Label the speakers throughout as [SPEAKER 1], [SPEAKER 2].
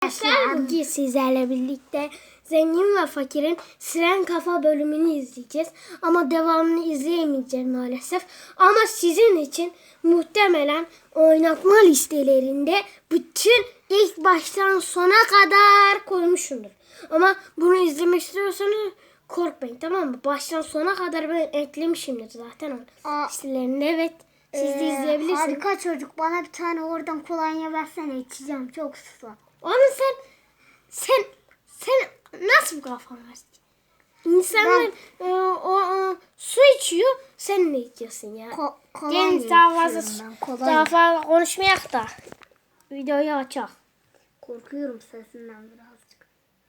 [SPEAKER 1] Arkadaşlar bugün sizlerle birlikte Zengin ve Fakir'in Siren Kafa bölümünü izleyeceğiz. Ama devamını izleyemeyeceğiz maalesef. Ama sizin için muhtemelen oynatma listelerinde bütün ilk baştan sona kadar koymuşumdur. Ama bunu izlemek istiyorsanız korkmayın, tamam mı? Baştan sona kadar ben eklemişimdir zaten o listelerinde. Evet. Siz de izleyebilirsiniz.
[SPEAKER 2] Harika çocuk. Bana bir tane oradan kolonya versene. İçeceğim. Çok susam.
[SPEAKER 1] Oğlum sen nasıl bu kafan var? İnsanlar su içiyor, sen ne içiyorsun ya? Gelin daha fazla konuşmayak da videoyu açak.
[SPEAKER 2] Korkuyorum sesinden birazcık.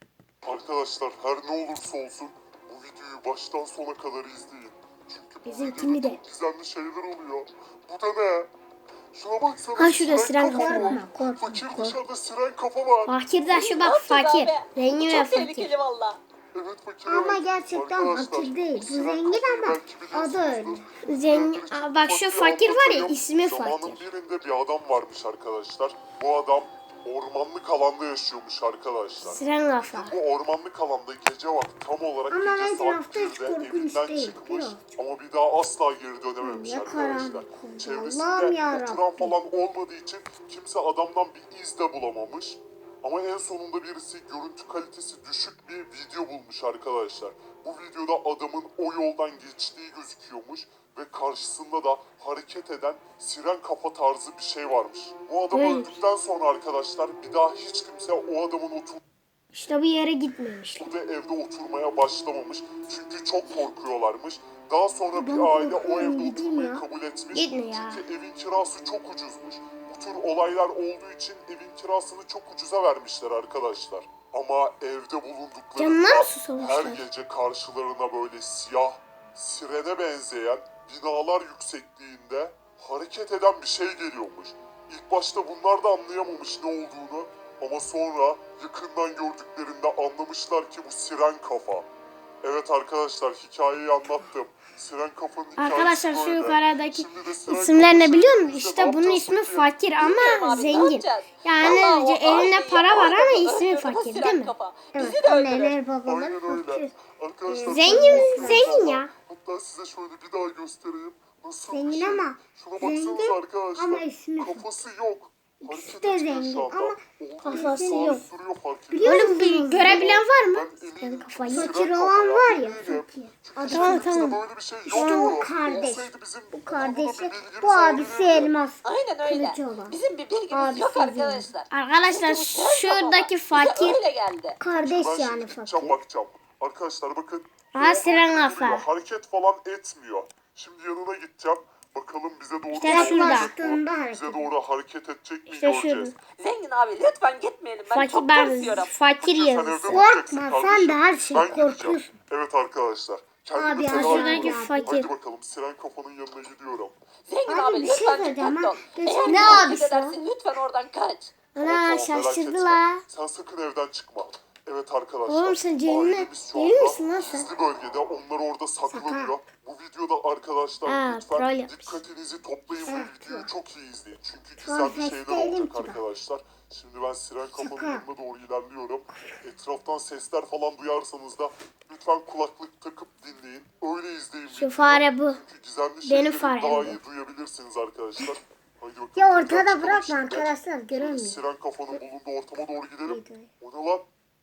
[SPEAKER 3] Arkadaşlar her ne olursa olsun bu videoyu baştan sona kadar izleyin. Çünkü bu
[SPEAKER 1] Bizimkini
[SPEAKER 3] videoda
[SPEAKER 1] de.
[SPEAKER 3] çok gizemli şeyler oluyor. Bu da ne? Şuna baksana.
[SPEAKER 1] Ha, şurada siren kafa var.
[SPEAKER 3] Fakir dışarıda siren kafa var.
[SPEAKER 1] Fakir de şu bak, fakir. Zengin ve
[SPEAKER 4] Çok
[SPEAKER 1] fakir.
[SPEAKER 4] tehlikeli valla.
[SPEAKER 3] Evet fakir.
[SPEAKER 2] Ama
[SPEAKER 3] evet.
[SPEAKER 2] gerçekten
[SPEAKER 3] Arkadaşlar,
[SPEAKER 2] fakir değil. Bu
[SPEAKER 3] siren
[SPEAKER 2] zengin
[SPEAKER 3] kafayı
[SPEAKER 2] ama
[SPEAKER 3] belki
[SPEAKER 2] adı öyle.
[SPEAKER 3] biliyorsunuzdur.
[SPEAKER 1] Zengin.
[SPEAKER 3] Fakir
[SPEAKER 1] Aa, bak şu fakir var ya,
[SPEAKER 3] anlatayım.
[SPEAKER 1] ismi
[SPEAKER 3] Zamanın
[SPEAKER 1] fakir.
[SPEAKER 3] birinde bir adam varmış arkadaşlar. Bu adam ormanlık alanda yaşıyormuş arkadaşlar.
[SPEAKER 1] Siren kafa.
[SPEAKER 3] Bu ormanlık alanda gece vakti tam olarak
[SPEAKER 2] Ama
[SPEAKER 3] gece
[SPEAKER 2] etrafta
[SPEAKER 3] saat
[SPEAKER 2] hiç
[SPEAKER 3] 1'de
[SPEAKER 2] korkunç
[SPEAKER 3] evinden
[SPEAKER 2] değil,
[SPEAKER 3] çıkmış
[SPEAKER 2] değil mi?
[SPEAKER 3] ama bir daha asla geri dönememiş
[SPEAKER 2] Ya
[SPEAKER 3] arkadaşlar.
[SPEAKER 2] karanlık oldu.
[SPEAKER 3] Çevresinde
[SPEAKER 2] Allah'ım yarabbim.
[SPEAKER 3] oturan falan olmadığı için kimse adamdan bir iz de bulamamış. Ama en sonunda birisi görüntü kalitesi düşük bir video bulmuş arkadaşlar. Bu videoda adamın o yoldan geçtiği gözüküyormuş ve karşısında da hareket eden siren kafa tarzı bir şey varmış. Bu adam
[SPEAKER 1] Evet.
[SPEAKER 3] öldükten sonra arkadaşlar bir daha hiç kimse o adamın
[SPEAKER 1] İşte bir yere gitmemişler.
[SPEAKER 3] ve evde oturmaya başlamamış. Çünkü çok korkuyorlarmış. Daha sonra bir
[SPEAKER 2] Ben
[SPEAKER 3] aile o
[SPEAKER 2] korkuyorum,
[SPEAKER 3] evde
[SPEAKER 2] gideyim
[SPEAKER 3] oturmayı
[SPEAKER 2] ya.
[SPEAKER 3] kabul etmiş.
[SPEAKER 1] Gitme ya.
[SPEAKER 3] Çünkü evin kirası çok ucuzmuş. Bu tür olaylar olduğu için evin kirasını çok ucuza vermişler arkadaşlar. Ama evde
[SPEAKER 1] Canına
[SPEAKER 3] bulunduklarında
[SPEAKER 1] mı susamışlar?
[SPEAKER 3] her gece karşılarına böyle siyah, sirene benzeyen binalar yüksekliğinde hareket eden bir şey geliyormuş. İlk başta bunlar da anlayamamış ne olduğunu. Ama sonra yakından gördüklerinde anlamışlar ki bu siren kafa. Evet arkadaşlar hikayeyi anlattım. Siren kafanın hikayesi
[SPEAKER 1] Arkadaşlar şu
[SPEAKER 3] böyle.
[SPEAKER 1] yukarıdaki
[SPEAKER 3] Şimdi de siren
[SPEAKER 1] isimler ne
[SPEAKER 3] kafa
[SPEAKER 1] biliyor
[SPEAKER 3] şey,
[SPEAKER 1] musun?
[SPEAKER 3] biz de
[SPEAKER 1] İşte
[SPEAKER 3] ne
[SPEAKER 1] bunun
[SPEAKER 3] yapacağız
[SPEAKER 1] ismi
[SPEAKER 3] peki?
[SPEAKER 1] fakir ama
[SPEAKER 4] Bilmiyorum abi, ne
[SPEAKER 1] zengin.
[SPEAKER 4] yapacağız?
[SPEAKER 1] Yani
[SPEAKER 4] Vallahi o
[SPEAKER 1] elinde
[SPEAKER 4] aileyi
[SPEAKER 1] para var ama
[SPEAKER 4] adamı
[SPEAKER 1] ismi
[SPEAKER 4] öldürdü, bu
[SPEAKER 1] fakir
[SPEAKER 4] siren
[SPEAKER 1] değil mi?
[SPEAKER 4] kafa.
[SPEAKER 2] Evet,
[SPEAKER 4] Bizi de öldürür.
[SPEAKER 2] anneler babalar
[SPEAKER 3] Aynen öyle.
[SPEAKER 2] fakir.
[SPEAKER 3] Arkadaşlar
[SPEAKER 1] Zengin ya.
[SPEAKER 3] hatta size şöyle bir daha göstereyim. Nasıl bir
[SPEAKER 2] Zengin
[SPEAKER 3] şey?
[SPEAKER 2] ama
[SPEAKER 3] Şuna
[SPEAKER 2] zengin
[SPEAKER 3] baksanıza arkadaşlar.
[SPEAKER 2] ama ismi
[SPEAKER 3] Kafası yok.
[SPEAKER 2] İkisi
[SPEAKER 3] Hareket
[SPEAKER 2] de
[SPEAKER 3] etmiyor
[SPEAKER 2] zengin
[SPEAKER 3] şu anda.
[SPEAKER 2] ama
[SPEAKER 3] Olduğu
[SPEAKER 1] kafası
[SPEAKER 3] gibi
[SPEAKER 1] yok.
[SPEAKER 3] duruyor fark
[SPEAKER 2] Biliyor
[SPEAKER 3] ediyor.
[SPEAKER 1] Oğlum bir görebilen var mı?
[SPEAKER 3] Ben eminim
[SPEAKER 1] kafayı-
[SPEAKER 3] siren
[SPEAKER 2] fakir
[SPEAKER 3] kafa
[SPEAKER 2] olan var ya
[SPEAKER 3] eminim.
[SPEAKER 2] fakir.
[SPEAKER 3] Çünkü
[SPEAKER 1] Tamam,
[SPEAKER 3] bizde
[SPEAKER 1] tamam.
[SPEAKER 3] böyle bir şey
[SPEAKER 2] İşte
[SPEAKER 3] yoktu.
[SPEAKER 2] o kardeş.
[SPEAKER 3] Olsaydı bizim
[SPEAKER 2] Bu
[SPEAKER 3] konuda
[SPEAKER 2] kardeşi,
[SPEAKER 3] bir bilgimiz
[SPEAKER 2] bu abisi
[SPEAKER 3] olabilirdi.
[SPEAKER 2] elmas.
[SPEAKER 4] Aynen öyle.
[SPEAKER 2] Kılıcı olan.
[SPEAKER 4] Bizim bir bilgimiz
[SPEAKER 2] Abisi
[SPEAKER 4] yok
[SPEAKER 2] zengin.
[SPEAKER 4] arkadaşlar.
[SPEAKER 1] Arkadaşlar
[SPEAKER 4] Çünkü bu siren kafa
[SPEAKER 1] şuradaki
[SPEAKER 4] bize
[SPEAKER 1] fakir.
[SPEAKER 4] öyle geldi.
[SPEAKER 2] Kardeş
[SPEAKER 3] Ben
[SPEAKER 2] yani
[SPEAKER 3] şimdi gideceğim
[SPEAKER 2] fakir.
[SPEAKER 3] bakacağım. Arkadaşlar bakın.
[SPEAKER 1] Aha, siren
[SPEAKER 3] Duruyor,
[SPEAKER 1] kafa.
[SPEAKER 3] hareket falan etmiyor. Şimdi yanına gideceğim. Bakalım bize doğru
[SPEAKER 1] İşte
[SPEAKER 3] hareket
[SPEAKER 1] şurada.
[SPEAKER 3] edecek mi?
[SPEAKER 2] Yaklaştığında hareket
[SPEAKER 3] Bize
[SPEAKER 2] ediyor.
[SPEAKER 3] doğru hareket edecek mi
[SPEAKER 1] İşte
[SPEAKER 3] göreceğiz.
[SPEAKER 4] Zengin abi lütfen gitmeyelim. Ben
[SPEAKER 1] Fakir
[SPEAKER 4] çok
[SPEAKER 1] ben
[SPEAKER 4] korkuyorum.
[SPEAKER 1] fakir
[SPEAKER 3] Sen evde
[SPEAKER 1] yazısı.
[SPEAKER 3] mi olacaksın
[SPEAKER 2] Korkma,
[SPEAKER 3] kardeşim?
[SPEAKER 2] sen de her şeyi
[SPEAKER 3] Ben gideceğim.
[SPEAKER 2] korkuyorsun.
[SPEAKER 3] Evet arkadaşlar. Kendimi
[SPEAKER 2] Abi,
[SPEAKER 3] feda
[SPEAKER 1] şuradaki
[SPEAKER 3] ediyorum.
[SPEAKER 1] fakir.
[SPEAKER 3] Haydi bakalım siren kafanın yanına gidiyorum.
[SPEAKER 4] Zengin
[SPEAKER 2] Abi,
[SPEAKER 4] abi
[SPEAKER 2] bir şey
[SPEAKER 4] lütfen
[SPEAKER 2] söyleyeceğim
[SPEAKER 4] dikkatli
[SPEAKER 2] ha.
[SPEAKER 4] ol.
[SPEAKER 2] Geçen
[SPEAKER 4] Eğer
[SPEAKER 2] ne
[SPEAKER 4] bir hareket
[SPEAKER 2] abisi
[SPEAKER 4] edersin lütfen oradan kaç.
[SPEAKER 1] Ana
[SPEAKER 3] Merak
[SPEAKER 1] şaşırdı
[SPEAKER 3] etme.
[SPEAKER 1] la.
[SPEAKER 3] Sen sakın evden çıkma. Evet arkadaşlar.
[SPEAKER 1] Oğlum sen Ceylin-
[SPEAKER 3] ailemiz şu
[SPEAKER 1] Ceylin
[SPEAKER 3] anda
[SPEAKER 1] misin lan sen?
[SPEAKER 3] gizli bölgede. Onlar orada saklanıyor. Bu videoda arkadaşlar
[SPEAKER 1] Ha, troll
[SPEAKER 3] lütfen
[SPEAKER 1] yapmış.
[SPEAKER 3] dikkatinizi toplayın
[SPEAKER 2] Şaka.
[SPEAKER 3] bu videoyu çok iyi izleyin. Çünkü
[SPEAKER 2] Troll
[SPEAKER 3] güzel bir şeyler
[SPEAKER 2] değilim
[SPEAKER 3] olacak
[SPEAKER 2] ki ben.
[SPEAKER 3] arkadaşlar. Şimdi ben siren kafanın
[SPEAKER 2] Şaka.
[SPEAKER 3] yanına doğru ilerliyorum. Etraftan sesler falan duyarsanız da lütfen kulaklık takıp dinleyin. Öyle izleyin
[SPEAKER 1] Şu
[SPEAKER 3] videoyu.
[SPEAKER 1] fare bu.
[SPEAKER 3] Çünkü gizemli
[SPEAKER 1] Benim
[SPEAKER 3] şeyleri
[SPEAKER 1] farem
[SPEAKER 3] daha
[SPEAKER 1] bu.
[SPEAKER 3] iyi duyabilirsiniz arkadaşlar. Haydi bakalım.
[SPEAKER 2] Ya
[SPEAKER 3] buradan
[SPEAKER 2] ortada
[SPEAKER 3] çıkalım
[SPEAKER 2] bırakma
[SPEAKER 3] şimdi.
[SPEAKER 2] arkadaşlar
[SPEAKER 3] Şöyle
[SPEAKER 2] göremiyor.
[SPEAKER 3] siren kafanın bulunduğu ortama doğru gidelim.
[SPEAKER 2] Evet.
[SPEAKER 3] O ne lan?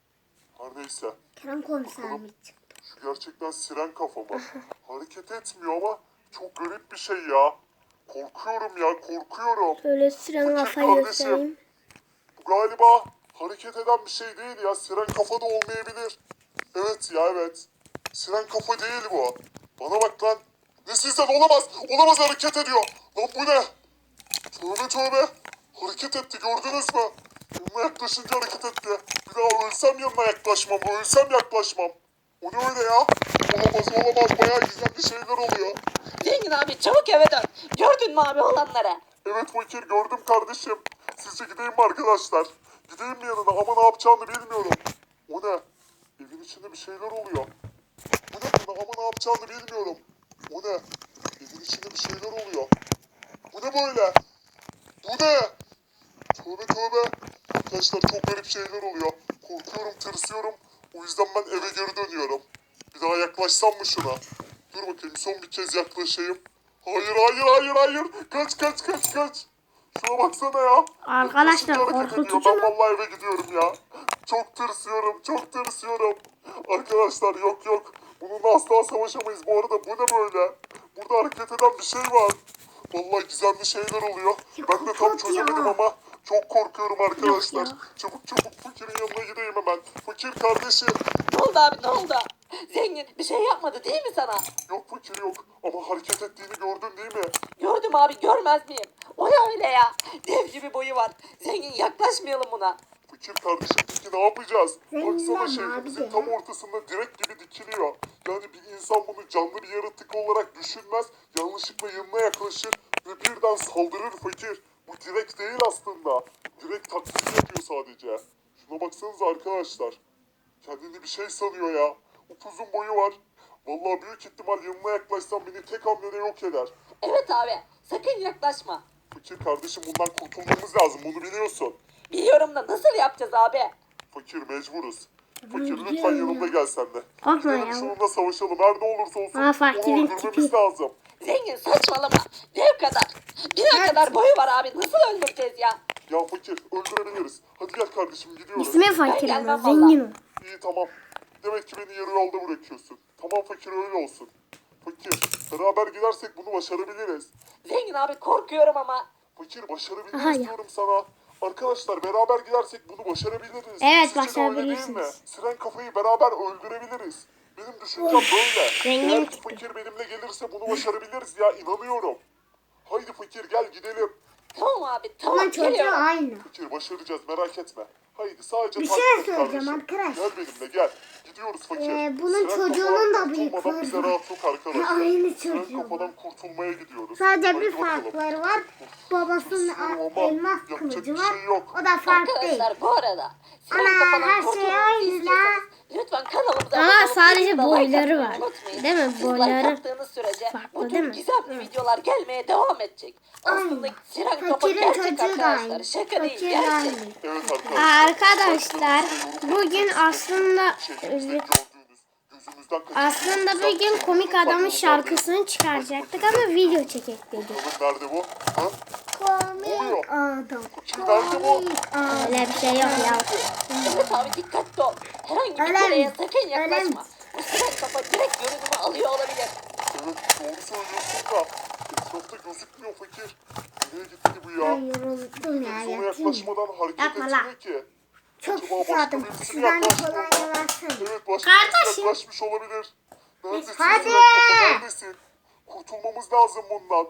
[SPEAKER 3] Her neyse.
[SPEAKER 2] Kerem komiser mi çıktı?
[SPEAKER 3] Şu gerçekten siren kafa mı? Hareket etmiyor ama çok garip bir şey ya. Korkuyorum ya, korkuyorum.
[SPEAKER 1] Şöyle siren kafayı
[SPEAKER 3] kardeşim.
[SPEAKER 1] göstereyim.
[SPEAKER 3] Bu galiba hareket eden bir şey değil ya. Siren kafa da olmayabilir. Evet ya, evet. Siren kafa değil bu. Bana bak lan. Ne sizden olamaz. Olamaz, hareket ediyor. Lan bu ne? Tövbe tövbe. Hareket etti, gördünüz mü? Yanına yaklaşınca hareket etti. Bir daha ölsem yanına yaklaşmam. Ölsem yaklaşmam. O ne öyle ya? Olamaz olamaz. Bayağı gizemli şeyler oluyor.
[SPEAKER 4] Zengin abi çabuk eve dön. Gördün mü abi olanları?
[SPEAKER 3] Evet fakir, gördüm kardeşim. Sizce gideyim mi arkadaşlar? Gideyim mi yanına ama ne yapacağını bilmiyorum. O ne? Evin içinde bir şeyler oluyor. Bu ne böyle ama ne yapacağını bilmiyorum. O ne? Evin içinde bir şeyler oluyor. Bu ne böyle? Bu ne? Tövbe tövbe. Arkadaşlar çok garip şeyler oluyor. Korkuyorum, tırsıyorum. O yüzden ben eve geri dönüyorum. Bir daha yaklaşsam mı şuna? Dur bakayım son bir kez yaklaşayım. Hayır hayır hayır hayır. Kaç kaç kaç kaç. Şuna baksana ya.
[SPEAKER 1] Arkadaşlar,
[SPEAKER 3] Yaklaşınca hareket ediyor.
[SPEAKER 1] korkutucu
[SPEAKER 3] Ben
[SPEAKER 1] mu?
[SPEAKER 3] vallahi eve gidiyorum ya. Çok tırsıyorum çok tırsıyorum. Arkadaşlar yok yok. Bununla asla savaşamayız. Bu arada bu ne böyle? Burada hareket eden bir şey var. Vallahi gizemli şeyler oluyor. Ben de tam
[SPEAKER 2] kapat
[SPEAKER 3] çözemedim
[SPEAKER 2] ya.
[SPEAKER 3] ama çok korkuyorum arkadaşlar.
[SPEAKER 1] ya.
[SPEAKER 3] Çabuk çabuk Fakir'in yanına gideyim hemen. Fakir kardeşim.
[SPEAKER 4] Ne oldu abi ne oldu? Zengin bir şey yapmadı değil mi sana?
[SPEAKER 3] Yok Fakir yok. Ama hareket ettiğini gördün değil mi?
[SPEAKER 4] Gördüm abi görmez miyim? O ne öyle ya? Dev gibi boyu var. Zengin yaklaşmayalım buna.
[SPEAKER 3] Fakir kardeşim peki ne yapacağız?
[SPEAKER 2] Zengin
[SPEAKER 3] Baksana
[SPEAKER 2] abi
[SPEAKER 3] şehrimizin
[SPEAKER 2] ya.
[SPEAKER 3] tam ortasında direkt gibi dikiliyor. Yani bir insan bunu canlı bir yaratık olarak düşünmez. Yanlışlıkla yanına yaklaşır ve birden saldırır Fakir. Bu direkt değil aslında. Direkt taklit yapıyor sadece. Şuna baksanıza arkadaşlar. Kendini bir şey sanıyor ya. Upuzun boyu var. Vallahi büyük ihtimal yanına yaklaşsam beni tek hamlede yok eder.
[SPEAKER 4] Evet abi sakın yaklaşma.
[SPEAKER 3] Fakir kardeşim bundan kurtulmamız lazım bunu biliyorsun.
[SPEAKER 4] Biliyorum da nasıl yapacağız abi?
[SPEAKER 3] Fakir mecburuz. Fakir
[SPEAKER 1] Biliyorum
[SPEAKER 3] lütfen
[SPEAKER 1] ya.
[SPEAKER 3] yanımda gel sen de.
[SPEAKER 1] Korkma
[SPEAKER 3] Gidelim
[SPEAKER 1] ya.
[SPEAKER 3] şununla savaşalım. Her ne olursa olsun
[SPEAKER 1] Aa, Fakir'in
[SPEAKER 3] onu öldürmemiz
[SPEAKER 1] tipi.
[SPEAKER 3] lazım.
[SPEAKER 4] Zengin saçmalama. Dev kadar. Bir kadar boyu var abi. Nasıl öldüreceğiz ya?
[SPEAKER 3] Ya Fakir öldürebiliriz. Hadi gel kardeşim gidiyoruz.
[SPEAKER 1] İsmi Fakir
[SPEAKER 4] Ben
[SPEAKER 1] ama
[SPEAKER 4] gelmem
[SPEAKER 1] zengin o.
[SPEAKER 3] İyi tamam. Demek ki beni yarı yolda bırakıyorsun. Tamam Fakir öyle olsun. Fakir beraber gidersek bunu başarabiliriz.
[SPEAKER 4] Zengin abi korkuyorum ama.
[SPEAKER 3] Fakir başarabiliriz
[SPEAKER 1] Aha ya.
[SPEAKER 3] diyorum sana. Arkadaşlar beraber gidersek bunu başarabiliriz.
[SPEAKER 1] Evet,
[SPEAKER 3] Sizce de öyle değil mi?
[SPEAKER 1] başarabilirsiniz.
[SPEAKER 3] Siren kafayı beraber öldürebiliriz. Benim düşüncem böyle.
[SPEAKER 1] Zengin
[SPEAKER 3] Eğer ki
[SPEAKER 1] çıktı.
[SPEAKER 3] Fakir benimle gelirse bunu başarabiliriz ya inanıyorum. Haydi Fakir gel gidelim.
[SPEAKER 4] Tamam abi
[SPEAKER 2] Bunun
[SPEAKER 4] tamam
[SPEAKER 2] çocuğu
[SPEAKER 4] geliyorum.
[SPEAKER 2] aynı.
[SPEAKER 3] Fakir başaracağız merak etme. Haydi sadece
[SPEAKER 2] Bir
[SPEAKER 3] takip
[SPEAKER 2] şey
[SPEAKER 3] et
[SPEAKER 2] söyleyeceğim
[SPEAKER 3] kardeşim.
[SPEAKER 2] arkadaşlar.
[SPEAKER 3] Gel benimle gel. Gidiyoruz Fakir.
[SPEAKER 2] Bunun
[SPEAKER 3] Siren
[SPEAKER 2] çocuğunun
[SPEAKER 3] kafa
[SPEAKER 2] da bıyıkları
[SPEAKER 3] kurtulmadan bize
[SPEAKER 2] var.
[SPEAKER 3] rahat yok arkadaşlar.
[SPEAKER 2] Aynı
[SPEAKER 3] Siren
[SPEAKER 2] çocuğu
[SPEAKER 3] kafadan kurtulmaya gidiyoruz.
[SPEAKER 2] Sadece
[SPEAKER 3] Haydi
[SPEAKER 2] bir
[SPEAKER 3] bakalım.
[SPEAKER 2] farkları var. Babasının
[SPEAKER 3] Tırsıyorum ama
[SPEAKER 2] elmas
[SPEAKER 3] yapacak
[SPEAKER 2] kılıcı
[SPEAKER 3] bir
[SPEAKER 2] var.
[SPEAKER 3] şey yok.
[SPEAKER 2] O da farklı değil.
[SPEAKER 4] Arkadaşlar bu arada. Siren
[SPEAKER 2] Ana,
[SPEAKER 4] kafadan
[SPEAKER 2] her şey
[SPEAKER 4] kurtulmamızı
[SPEAKER 2] aynı
[SPEAKER 4] istiyorsanız Lütfen kanalımıza
[SPEAKER 1] Ama
[SPEAKER 4] abone olup
[SPEAKER 1] sadece
[SPEAKER 4] videoda like
[SPEAKER 1] boyları
[SPEAKER 4] atmayı
[SPEAKER 1] var.
[SPEAKER 4] unutmayın.
[SPEAKER 1] Değil mi?
[SPEAKER 4] Siz
[SPEAKER 1] Boyları
[SPEAKER 4] like attığınız sürece
[SPEAKER 1] farklı
[SPEAKER 4] bu
[SPEAKER 1] değil
[SPEAKER 4] tür
[SPEAKER 1] mi?
[SPEAKER 4] gizemli videolar gelmeye devam edecek. Aslında
[SPEAKER 2] Aynen.
[SPEAKER 4] Siren kafa
[SPEAKER 2] Fakirin
[SPEAKER 4] gerçek
[SPEAKER 2] çocuğu da
[SPEAKER 4] arkadaşlar.
[SPEAKER 2] aynı.
[SPEAKER 4] Şaka değil
[SPEAKER 2] Fakir de
[SPEAKER 4] gerçek.
[SPEAKER 2] aynı.
[SPEAKER 3] Evet arkadaşlar.
[SPEAKER 1] Arkadaşlar bugün aslında
[SPEAKER 3] Şehrimizde gördüğünüz gözümüzden
[SPEAKER 1] aslında bugün komik adamın şarkısını çıkaracaktık ama video çekek dedik.
[SPEAKER 3] Bakalım nerede bu? Ha?
[SPEAKER 2] Komik adam.
[SPEAKER 3] Kim nerede bu?
[SPEAKER 2] Komik adam.
[SPEAKER 1] Öyle bir şey yok ya.
[SPEAKER 4] Evet abi dikkatli ol. Herhangi bir
[SPEAKER 2] Öyle
[SPEAKER 4] şeye
[SPEAKER 2] mi?
[SPEAKER 4] sakın yaklaşma.
[SPEAKER 2] Öyle mi?
[SPEAKER 4] Bu Siren kafa direkt görünümü alıyor olabilir.
[SPEAKER 3] Evet doğru söylüyorsun da. Etrafta gözükmüyor Fakir. Nereye gitti bu ya?
[SPEAKER 2] Ben yoruldum ya.
[SPEAKER 3] Biz ona
[SPEAKER 2] Yatayım mı?
[SPEAKER 3] yaklaşmadan hareket
[SPEAKER 2] Yapma
[SPEAKER 3] etmiyor
[SPEAKER 2] lan.
[SPEAKER 3] ki.
[SPEAKER 2] Çok
[SPEAKER 3] Acaba başka
[SPEAKER 2] susadım.
[SPEAKER 3] birisi mi
[SPEAKER 2] Şuradan
[SPEAKER 3] yaklaştı
[SPEAKER 2] kolonya
[SPEAKER 3] ona?
[SPEAKER 2] versene.
[SPEAKER 3] Evet başka
[SPEAKER 1] Kardeşim.
[SPEAKER 3] birisi yaklaşmış olabilir. Neredesin
[SPEAKER 2] Hadi.
[SPEAKER 3] Siren kafa neredesin? Kurtulmamız lazım bundan.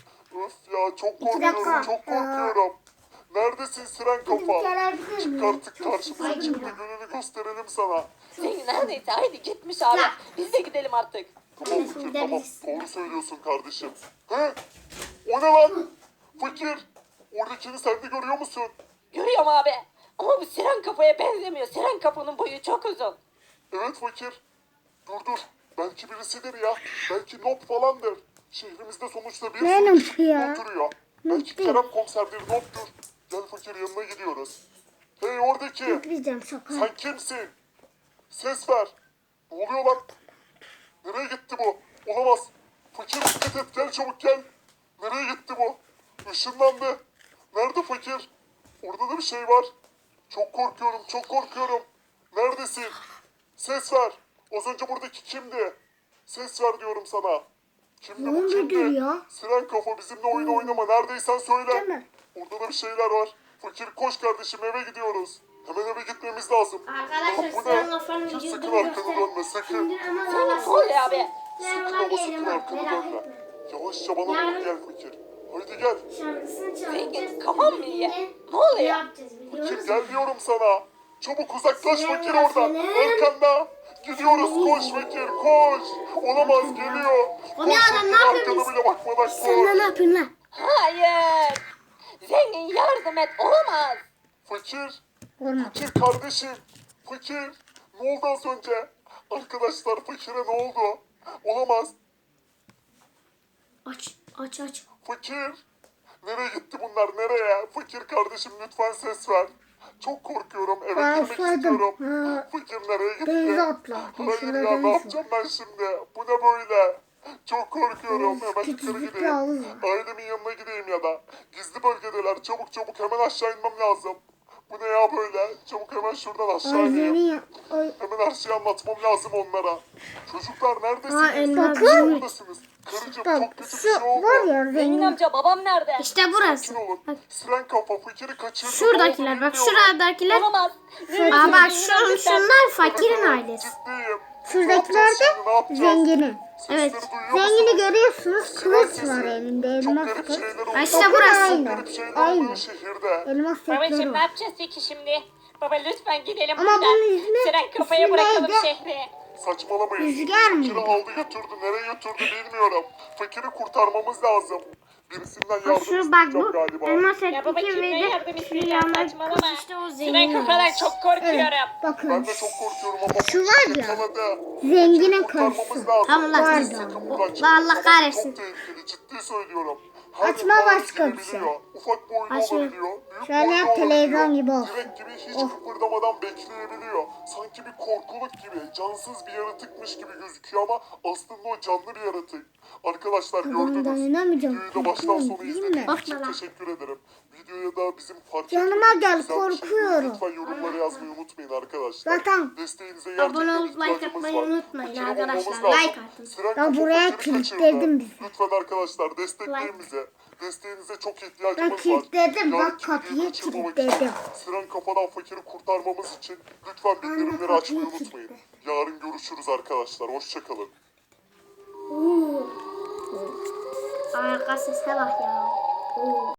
[SPEAKER 3] Öf ya çok korkuyorum
[SPEAKER 2] dakika.
[SPEAKER 3] çok korkuyorum. Neredesin Siren kafa?
[SPEAKER 2] gelebilir
[SPEAKER 3] Çık
[SPEAKER 2] miyim?
[SPEAKER 3] artık
[SPEAKER 2] Çok
[SPEAKER 3] karşımıza
[SPEAKER 2] susadım
[SPEAKER 3] çık da
[SPEAKER 2] ya.
[SPEAKER 3] gününü gösterelim sana.
[SPEAKER 4] Zengin neredeyse haydi gitmiş abi.
[SPEAKER 2] Ya.
[SPEAKER 4] Biz de gidelim artık.
[SPEAKER 3] Tamam
[SPEAKER 1] Anne,
[SPEAKER 3] Fakir
[SPEAKER 1] şimdi
[SPEAKER 3] tamam.
[SPEAKER 1] biz-
[SPEAKER 3] Doğru söylüyorsun kardeşim. He? O ne lan? Fakir. Oradakini sen de görüyor musun?
[SPEAKER 4] Görüyorum abi. Ama bu Siren kafaya benzemiyor. Siren kafanın boyu çok uzun.
[SPEAKER 3] Evet Fakir. Dur. Belki birisidir ya. Belki Nob falandır. Şehrimizde sonuçta bir
[SPEAKER 2] Ne
[SPEAKER 3] sürü
[SPEAKER 2] Nob
[SPEAKER 3] kişi
[SPEAKER 2] ya?
[SPEAKER 3] oturuyor. Belki
[SPEAKER 2] değil.
[SPEAKER 3] Kerem komiserdir Nob'dur. Gel Fakir yanına gidiyoruz. Hey oradaki.
[SPEAKER 2] Gitmeyeceğim şaka.
[SPEAKER 3] Sen kimsin? Ses ver. Ne oluyor lan? Nereye gitti bu? Olamaz. Fakir dikkat et gel çabuk gel. Nereye gitti bu? Işınlandı. Nerede Fakir? Orada da bir şey var. Çok korkuyorum çok korkuyorum. Neredesin? Ses ver. Az önce buradaki kimdi? Ses ver diyorum sana. Kimdi
[SPEAKER 2] Ne
[SPEAKER 3] bu
[SPEAKER 2] oldu
[SPEAKER 3] kimdi?
[SPEAKER 2] ya?
[SPEAKER 3] Siren kafa bizimle oyun oynama. Neredeysen söyle.
[SPEAKER 2] Değil mi?
[SPEAKER 3] Orada da bir şeyler var. Fakir koş kardeşim eve gidiyoruz. Hemen eve gitmemiz lazım.
[SPEAKER 1] Arkadaşlar,
[SPEAKER 3] Lan bu
[SPEAKER 1] Siren
[SPEAKER 3] ne?
[SPEAKER 1] Kafa'nın
[SPEAKER 3] Sakın
[SPEAKER 1] vücudunu
[SPEAKER 3] arkana
[SPEAKER 1] göster.
[SPEAKER 3] dönme sakın.
[SPEAKER 1] Şimdi ama
[SPEAKER 4] Zengin
[SPEAKER 1] bana
[SPEAKER 4] ne oluyor abi?
[SPEAKER 3] Sakın
[SPEAKER 1] Merhaba
[SPEAKER 3] ama
[SPEAKER 1] diyelim
[SPEAKER 3] sakın
[SPEAKER 1] bak,
[SPEAKER 3] arkana
[SPEAKER 1] merak
[SPEAKER 3] dönme.
[SPEAKER 1] etme.
[SPEAKER 3] Yavaşça bana
[SPEAKER 1] Yarın-
[SPEAKER 3] doğru gel Fakir. Haydi gel.
[SPEAKER 1] Şarkısını çalacağız.
[SPEAKER 4] Zengin kafam mı iyi?
[SPEAKER 1] Şimdi
[SPEAKER 4] Ne oluyor?
[SPEAKER 1] yapacağız biliyor
[SPEAKER 3] Fakir
[SPEAKER 1] musun?
[SPEAKER 3] gel diyorum sana. Çabuk uzaklaş
[SPEAKER 1] Siren
[SPEAKER 3] Fakir oradan.
[SPEAKER 1] Kafa'nın-
[SPEAKER 3] Arkanda. Gidiyoruz koş Fakir koş. Olamaz geliyor.
[SPEAKER 1] O ne
[SPEAKER 3] Koş
[SPEAKER 1] adam,
[SPEAKER 3] Fakir
[SPEAKER 1] ne yapıyorsun?
[SPEAKER 3] arkana bile bakmadan
[SPEAKER 1] Sen de
[SPEAKER 3] koş.
[SPEAKER 1] ne yapıyorsun lan?
[SPEAKER 4] Hayır. Zengin yardım et. Olamaz.
[SPEAKER 3] Fakir.
[SPEAKER 2] Olmaz.
[SPEAKER 3] Fakir kardeşim. Fakir. Ne oldu az önce? Arkadaşlar Fakir'e ne oldu? Olamaz.
[SPEAKER 1] Aç.
[SPEAKER 3] Fakir. Nereye gitti bunlar nereye? Fakir kardeşim lütfen ses ver. Çok korkuyorum. Eve
[SPEAKER 2] Ben
[SPEAKER 3] girmek
[SPEAKER 2] saydım.
[SPEAKER 3] istiyorum.
[SPEAKER 2] Ha.
[SPEAKER 3] Fakir nereye gitti?
[SPEAKER 2] Denize atla.
[SPEAKER 3] Hayır
[SPEAKER 2] Şurada
[SPEAKER 3] ya
[SPEAKER 2] deniz
[SPEAKER 3] ne
[SPEAKER 2] var.
[SPEAKER 3] yapacağım ben şimdi? Bu ne böyle? Çok korkuyorum. Hemen yukarı
[SPEAKER 2] Küçücük bir
[SPEAKER 3] gideyim.
[SPEAKER 2] havuz var.
[SPEAKER 3] Ailemin yanına gideyim ya da. Gizli bölgedeler. Çabuk çabuk hemen aşağı inmem lazım. Bu ne ya böyle? Çabuk hemen şuradan aşağı ineyim.
[SPEAKER 2] Ailenin
[SPEAKER 3] Hemen her şeyi anlatmam lazım onlara. Çocuklar
[SPEAKER 1] Ha,
[SPEAKER 3] neredesiniz?
[SPEAKER 1] elma
[SPEAKER 2] Bakın.
[SPEAKER 3] Buradasınız. Karıcığım
[SPEAKER 2] bak
[SPEAKER 3] çok kötü bir
[SPEAKER 2] şu
[SPEAKER 3] şey oldu.
[SPEAKER 2] var ya
[SPEAKER 4] Zengin
[SPEAKER 2] zengin.
[SPEAKER 4] amca babam nerede?
[SPEAKER 1] İşte burası.
[SPEAKER 3] Sakin olun.
[SPEAKER 1] Bak,
[SPEAKER 3] Siren kafa fakiri kaçırdı.
[SPEAKER 1] şuradakiler
[SPEAKER 3] Ne
[SPEAKER 1] bak
[SPEAKER 3] oldu
[SPEAKER 1] şuradakiler.
[SPEAKER 4] Olamaz.
[SPEAKER 1] Aa bak şunlar fakirin
[SPEAKER 3] bilmiyorum.
[SPEAKER 1] ailesi.
[SPEAKER 3] Ciddiyim.
[SPEAKER 2] Şuradakiler de
[SPEAKER 3] Ne yapacağız?
[SPEAKER 2] zenginin.
[SPEAKER 1] Evet.
[SPEAKER 3] Sesleri duyuyor
[SPEAKER 2] Zengini
[SPEAKER 3] musunuz?
[SPEAKER 2] görüyorsunuz.
[SPEAKER 3] Siren
[SPEAKER 2] Kılıç
[SPEAKER 3] sesi.
[SPEAKER 2] var elinde.
[SPEAKER 3] Çok
[SPEAKER 2] Elmas
[SPEAKER 3] garip
[SPEAKER 2] kılıç.
[SPEAKER 3] şeyler oluyor.
[SPEAKER 1] Ha, işte
[SPEAKER 2] Bakın
[SPEAKER 1] burası.
[SPEAKER 2] aynı.
[SPEAKER 3] Garip şeyler
[SPEAKER 2] Aynı.
[SPEAKER 3] oluyor şehirde.
[SPEAKER 2] Elmas setleri
[SPEAKER 4] Babacım ne
[SPEAKER 2] var.
[SPEAKER 4] yapacağız peki şimdi? Baba lütfen gidelim
[SPEAKER 2] Ama
[SPEAKER 4] buradan.
[SPEAKER 2] bunun ismi-
[SPEAKER 4] Siren kafaya
[SPEAKER 2] ismi
[SPEAKER 4] bırakalım
[SPEAKER 2] neydi?
[SPEAKER 4] şehri.
[SPEAKER 3] Saçmalamayın.
[SPEAKER 2] Rüzgar mıydı?
[SPEAKER 3] Fakiri aldı götürdü. Nereye götürdü bilmiyorum. Fakiri kurtarmamız lazım. Birisinden yardım
[SPEAKER 1] Bak şu bak
[SPEAKER 3] isteyeceğim
[SPEAKER 1] bu
[SPEAKER 3] galiba.
[SPEAKER 1] elmas
[SPEAKER 4] Ya baba
[SPEAKER 1] etdeki ve
[SPEAKER 4] kimden yardım
[SPEAKER 1] de şu
[SPEAKER 4] isteyeceğim
[SPEAKER 1] yanlar
[SPEAKER 4] saçmalama.
[SPEAKER 1] kız işte o
[SPEAKER 4] Siren
[SPEAKER 1] zengin
[SPEAKER 4] kafadan
[SPEAKER 1] ailesi.
[SPEAKER 4] çok korkuyorum.
[SPEAKER 3] Ben
[SPEAKER 2] Bakın.
[SPEAKER 3] de çok korkuyorum ama
[SPEAKER 2] Şu var ya,
[SPEAKER 3] yakaladı.
[SPEAKER 2] zenginin
[SPEAKER 3] Kurtarmamız
[SPEAKER 2] karısı.
[SPEAKER 3] lazım.
[SPEAKER 1] Tamam lan,
[SPEAKER 3] Sakın
[SPEAKER 1] sakın.
[SPEAKER 3] buradan çıkmayın.
[SPEAKER 1] Allah
[SPEAKER 3] Babam
[SPEAKER 1] kahretsin.
[SPEAKER 3] Çok tehlikeli ciddi söylüyorum. Her
[SPEAKER 2] Açma
[SPEAKER 3] defa
[SPEAKER 2] başka bir
[SPEAKER 3] gidebiliyor.
[SPEAKER 2] şey.
[SPEAKER 3] Ufak boylu
[SPEAKER 1] Açma.
[SPEAKER 3] olabiliyor. Büyük
[SPEAKER 2] Şöyle
[SPEAKER 3] boylu
[SPEAKER 2] yap, televizyon
[SPEAKER 3] olabiliyor.
[SPEAKER 2] gibi olsun.
[SPEAKER 3] Direkt gibi hiç
[SPEAKER 2] Oh.
[SPEAKER 3] kıpırdamadan bekleyebiliyor. Sanki bir korkuluk gibi, cansız bir yaratıkmış gibi gözüküyor ama aslında o canlı bir yaratık. Arkadaşlar
[SPEAKER 2] Kafamdan
[SPEAKER 3] gördünüz.
[SPEAKER 2] inamayacağım.
[SPEAKER 3] Videoyu da baştan
[SPEAKER 2] Korkuyorum,
[SPEAKER 3] sona
[SPEAKER 2] değil
[SPEAKER 3] izlediğiniz
[SPEAKER 2] mi?
[SPEAKER 3] için
[SPEAKER 1] Korkma lan.
[SPEAKER 3] teşekkür ederim. Videoya da bizim fark
[SPEAKER 2] Yanıma
[SPEAKER 3] ettiğimiz
[SPEAKER 2] gel,
[SPEAKER 3] güzel bir şey
[SPEAKER 2] korkuyorum.
[SPEAKER 3] lütfen yorumlara yazmayı unutmayın arkadaşlar.
[SPEAKER 2] Zaten
[SPEAKER 3] Desteğinize gerçekten
[SPEAKER 1] Abone olup like
[SPEAKER 3] ihtiyacımız
[SPEAKER 1] atmayı
[SPEAKER 3] var.
[SPEAKER 1] unutmayın
[SPEAKER 3] Fakiri
[SPEAKER 1] arkadaşlar.
[SPEAKER 3] bulmamız lazım.
[SPEAKER 1] Like atın.
[SPEAKER 3] Siren
[SPEAKER 2] Ya
[SPEAKER 3] kafa
[SPEAKER 2] buraya
[SPEAKER 3] fakiri kaçırdı.
[SPEAKER 2] kilitledim bizi.
[SPEAKER 3] Lütfen arkadaşlar destekleyin bizi. Desteğinize çok ihtiyacımız
[SPEAKER 2] Ben
[SPEAKER 3] var.
[SPEAKER 2] kilitledim, bak
[SPEAKER 3] Yarınki
[SPEAKER 2] kapıyı
[SPEAKER 3] videoyu kaçırmamak
[SPEAKER 2] kilitledim.
[SPEAKER 3] için, Siren kafadan fakiri kurtarmamız için lütfen bildirimleri
[SPEAKER 2] kapıyı
[SPEAKER 3] açmayı unutmayın. Yarın görüşürüz arkadaşlar. Hoşçakalın.
[SPEAKER 1] Arka sese bak ya. Oo.